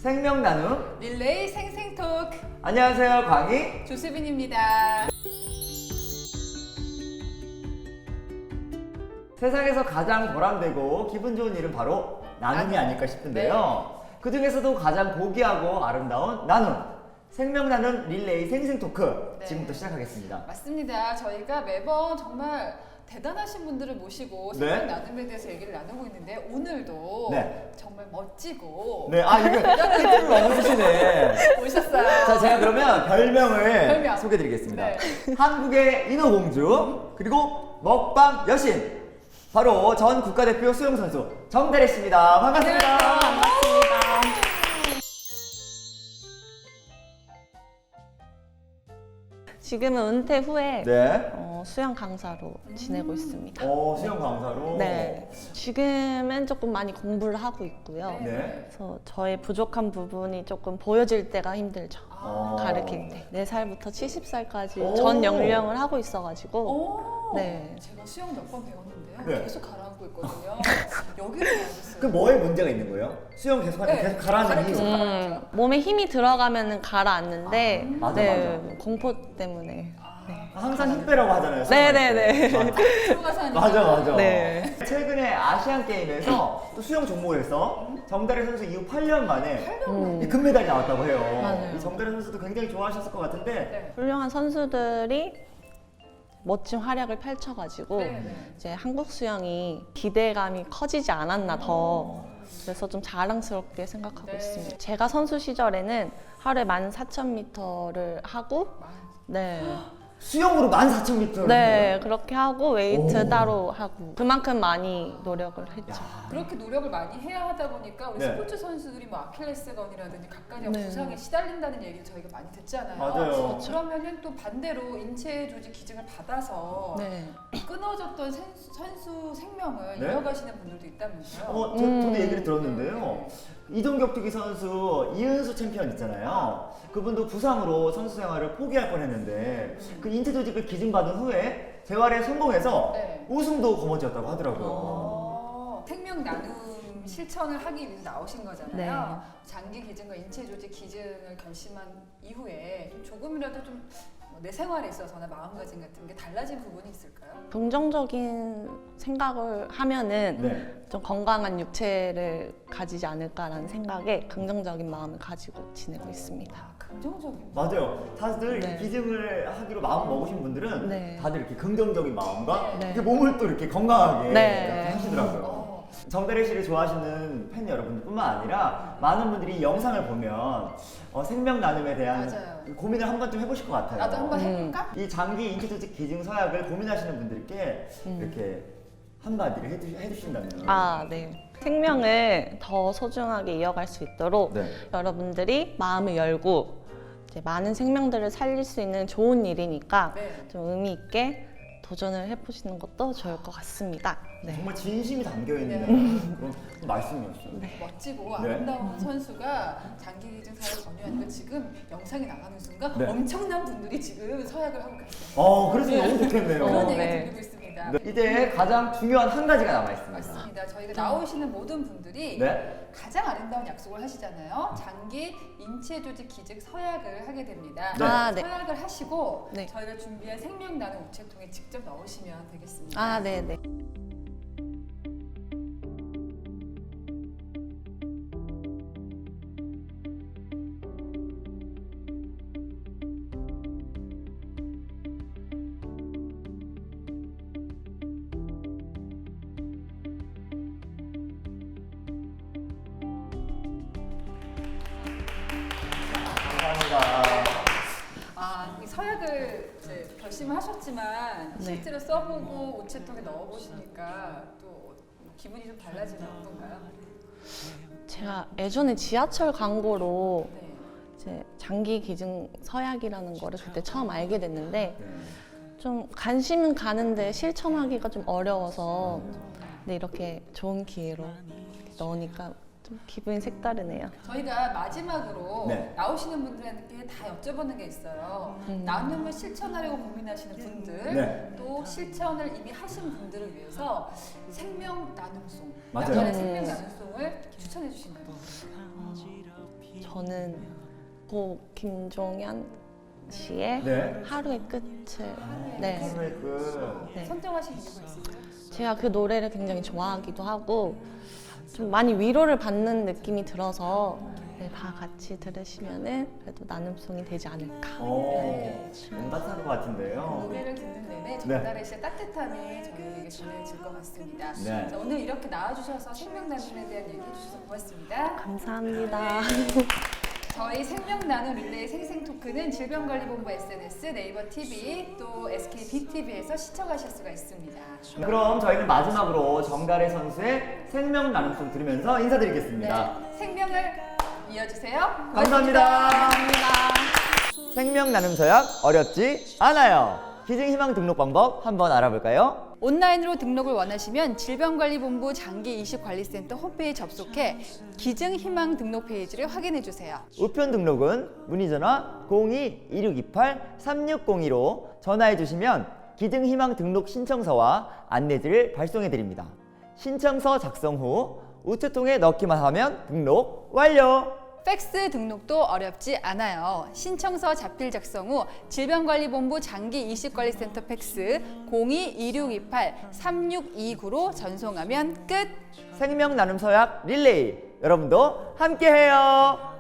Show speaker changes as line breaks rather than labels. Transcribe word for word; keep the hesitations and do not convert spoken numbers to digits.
생명 나눔
릴레이 생생톡.
안녕하세요, 광희
조수빈입니다.
세상에서 가장 보람되고 기분 좋은 일은 바로 나눔이 아닐까 싶은데요.
네.
그 중에서도 가장 고귀하고 아름다운 나눔, 생명 나눔 릴레이 생생 토크
네.
지금부터 시작하겠습니다.
맞습니다. 저희가 매번 정말 대단하신 분들을 모시고
네.
생명 나눔에 대해서 얘기를 나누고 있는데 오늘도
네.
정말 멋지고
네, 아 이거 힌트를 넘어주시네.
오셨어요.
자, 제가 그러면 별명을
별명.
소개드리겠습니다.
네.
한국의 인어공주 그리고 먹방 여신 바로 전 국가대표 수영선수 정다래 씨입니다. 반갑습니다.
반갑습니다.
지금은 은퇴 후에
네.
어, 수영 강사로 지내고 있습니다.
어, 수영 강사로.
네. 지금은 조금 많이 공부를 하고 있고요.
네.
네.
그래서 저의 부족한 부분이 조금 보여질 때가 힘들죠.
어.
가르칠 때. 네 살부터 칠십 살까지
오.
전 연령을 하고 있어가지고.
오,
네.
제가 수영 몇 번 배웠는데요.
네.
계속 가라앉고 있거든요. 여기를 가야겠어요.
그 뭐에 문제가 있는 거예요? 수영 계속 하면
네.
계속 가라앉는
계속
이유.
가라앉-
음, 몸에 힘이 들어가면은 가라앉는데,
아, 맞아,
네,
맞아.
공포 때문에. 네.
항상 힘 빼라고 하잖아요.
네네네.
수영할 때.
들어가서 하니까.
맞아, 맞아.
네.
최근에 아시안 게임에서 또 수영 종목에서 정다래 선수 이후 팔 년 만에
음.
이 금메달이 나왔다고 해요.
맞아요.
이 정다래 선수도 굉장히 좋아하셨을 것 같은데.
네.
훌륭한 선수들이 멋진 활약을 펼쳐가지고
네, 네.
이제 한국 수영이 기대감이 커지지 않았나 더 그래서 좀 자랑스럽게 생각하고
네.
있습니다. 제가 선수 시절에는 하루에 만 사천 미터를 하고 네,
수영으로 만 사천 미터.
네 그렇게 하고 웨이트
오.
따로 하고 그만큼 많이 노력을 했죠.
그렇게 노력을 많이 해야 하다 보니까 우리
네.
스포츠 선수들이 뭐 아킬레스건이라든지 각각의
네.
부상에 시달린다는 얘기를 저희가 많이 듣잖아요.
맞아요.
그러면은 또 반대로 인체 조직 기증을 받아서
네.
끊어졌던 선수, 선수 생명을
네?
이어가시는 분들도 있다면서요.
어, 저,
음.
저도 얘기를 들었는데요. 이동격투기 선수 이은수 챔피언 있잖아요. 그분도 부상으로 선수 생활을 포기할 뻔했는데 그 인체 조직을 기증받은 후에 재활에 성공해서
네.
우승도 거머쥐었다고 하더라고요.
어, 생명 나눔 실천을 하기 위해서 나오신 거잖아요.
네.
장기 기증과 인체 조직 기증을 결심한 이후에 좀 조금이라도 좀 내 생활에 있어서나 마음가짐 같은 게 달라진 부분이 있을까요?
긍정적인 생각을 하면은
네.
좀 건강한 육체를 가지지 않을까라는 생각에 긍정적인 마음을 가지고 지내고 있습니다.
아, 긍정적인.
맞아요. 다들 이렇게
네.
기증을 하기로 마음 먹으신 분들은
네.
다들 이렇게 긍정적인 마음과
네.
이렇게 몸을 또 이렇게 건강하게
네.
이렇게 하시더라고요.
어.
정다래 씨를 좋아하시는 팬 여러분들뿐만 아니라 많은 분들이 이 영상을 보면 어, 생명 나눔에 대한
맞아요.
고민을 한 번쯤 해보실 것 같아요.
나도 한번
음.
해볼까?
이 장기 인체 조직 기증 서약을 고민하시는 분들께
음.
이렇게 한마디를 해주, 해주신다면.
아, 네. 생명을 더 소중하게 이어갈 수 있도록
네.
여러분들이 마음을 열고 이제 많은 생명들을 살릴 수 있는 좋은 일이니까
네.
좀 의미 있게 도전을 해보시는 것도 좋을 것 같습니다. 네.
정말 진심이 담겨 있는
네.
그런 말씀이었어요.
멋지고
네.
아름다운 선수가 장기 기증 사를 권유하니까 지금 영상이 나가는 순간
네.
엄청난 분들이 지금 서약을 하고 계세요.
어, 그래서 너무 좋겠네요.
그런
어,
얘기
네.
들리고 있습니다.
네, 이제 가장 중요한 한 가지가 남아 있습니다.
맞습니다. 저희가 나오시는 모든 분들이
네.
가장 아름다운 약속을 하시잖아요. 장기 인체 조직 기증 서약을 하게 됩니다.
네.
아, 네.
서약을 하시고
네.
저희가 준비한 생명 나눔 우체통에 직접 넣으시면 되겠습니다.
아, 네, 네.
감사합니다.
아, 이 서약을 이제 결심을 하셨지만
네.
실제로 써보고 우체통에 넣어보시니까 또 기분이 좀 달라지는 어떤가요?
제가 예전에 지하철 광고로
네.
이제 장기 기증 서약이라는 거를 그때 처음 알게 됐는데 좀 관심은 가는데 실천하기가 좀 어려워서 근데 이렇게 좋은 기회로 넣으니까 좀 기분이 색다르네요.
저희가 마지막으로
네.
나오시는 분들한테 다 여쭤보는 게 있어요.
음.
나눔을 실천하려고 고민하시는 분들,
네.
또 실천을 이미 하신 분들을 위해서 생명 나눔송,
맞아요.
나만의
음.
생명 나눔송을 추천해 주신다고.
저는 고 김종현 씨의
네.
하루의 끝을 네.
하루의 끝.
네.
선정하신 이유가 있으세요?
제가 그 노래를 굉장히 좋아하기도 하고 좀 많이 위로를 받는 느낌이 들어서 네, 다 같이 들으시면은 그래도 나눔송이 되지 않을까.
오, 너무 따뜻한 것 같은데요.
노래를 듣는 내내 전달의 씨의 따뜻함이 저희에게 전해질 것 같습니다.
네.
자, 오늘 이렇게 나와주셔서 생명 나눔에 대한 얘기해 주셔서 고맙습니다.
감사합니다.
저희 생명 나눔 릴레이 생생 토크는 질병관리본부 에스엔에스, 네이버 티비, 또 에스케이 빅티비에서 시청하실 수가 있습니다.
그럼 저희는 마지막으로 정다래 선수의 생명 나눔송 들으면서 인사드리겠습니다.
네, 생명을 이어주세요.
감사합니다.
감사합니다.
생명 나눔 서약 어렵지 않아요. 기증 희망 등록 방법 한번 알아볼까요?
온라인으로 등록을 원하시면 질병관리본부 장기이식관리센터 홈페이지 접속해 기증 희망 등록 페이지를 확인해 주세요.
우편 등록은 문의 전화 공이 이육이팔 삼육공이로 전화해 주시면 기증 희망 등록 신청서와 안내지를 발송해 드립니다. 신청서 작성 후 우체통에 넣기만 하면 등록 완료!
팩스 등록도 어렵지 않아요. 신청서 자필 작성 후 질병관리본부 장기이식관리센터 팩스 공이 이육이팔 삼육이구로 전송하면 끝!
생명 나눔 서약 릴레이 여러분도 함께해요.